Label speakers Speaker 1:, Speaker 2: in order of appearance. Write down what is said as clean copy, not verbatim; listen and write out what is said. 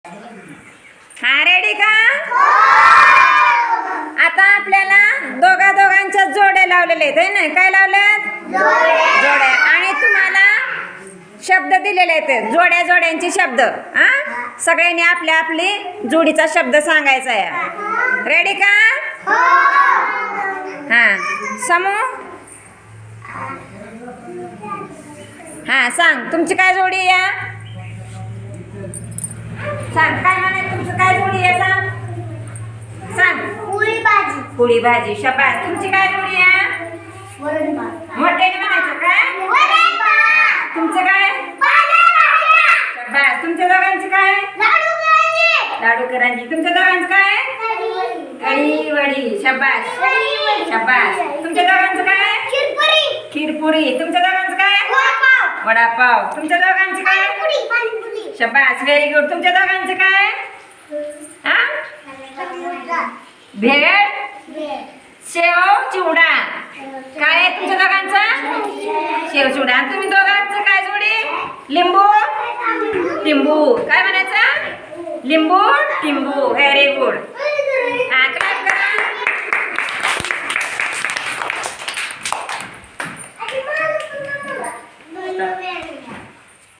Speaker 1: हा, रेडी का? आता आपल्याला दोघांच्या जोड्या लावलेल्या आहेत ना. काय लावल्यात? जोड्या. आणि तुम्हाला शब्द दिलेले आहेत, जोड्यांचे शब्द. हा, सगळ्यांनी आपल्या आपली जोडीचा शब्द सांगायचा आहे. रेडी का? हा, समू. हा, सांग तुमची काय जोडी आहे? सांग काय म्हणाय, तुमचं काय जोडी आहे? सांग.
Speaker 2: पोळी भाजी.
Speaker 1: पोळी भाजी. शाबास. तुमची काय जोडी आहे?
Speaker 2: वरण भात.
Speaker 1: मोठ्याने म्हणायचं काय?
Speaker 2: वरण भात.
Speaker 1: तुमचं काय? शाबास. तुमच्या दोघांची काय?
Speaker 2: लाडू करायचे.
Speaker 1: लाडू करंजी. तुमच्या दोघांचं काय? कढी वडी. शाबास. शाबास. तुमच्या दोघांचं काय?
Speaker 2: खीरपुरी.
Speaker 1: खीरपुरी. तुमच्या दोघांचं काय?
Speaker 2: वडापाव.
Speaker 1: वडापाव. तुमच्या दोघांचं काय?
Speaker 2: पाणीपुरी.
Speaker 1: शाबास. Very good. तुमच्या दोघांचं काय? हा, भेळ. शेव चिवडा. काय आहे तुमच्या दोघांचं? शेव चिवडा. आणि तुम्ही दोघांचं काय जोडी? लिंबू टिंबू. काय म्हणायचं? लिंबू टिंबू. Very good.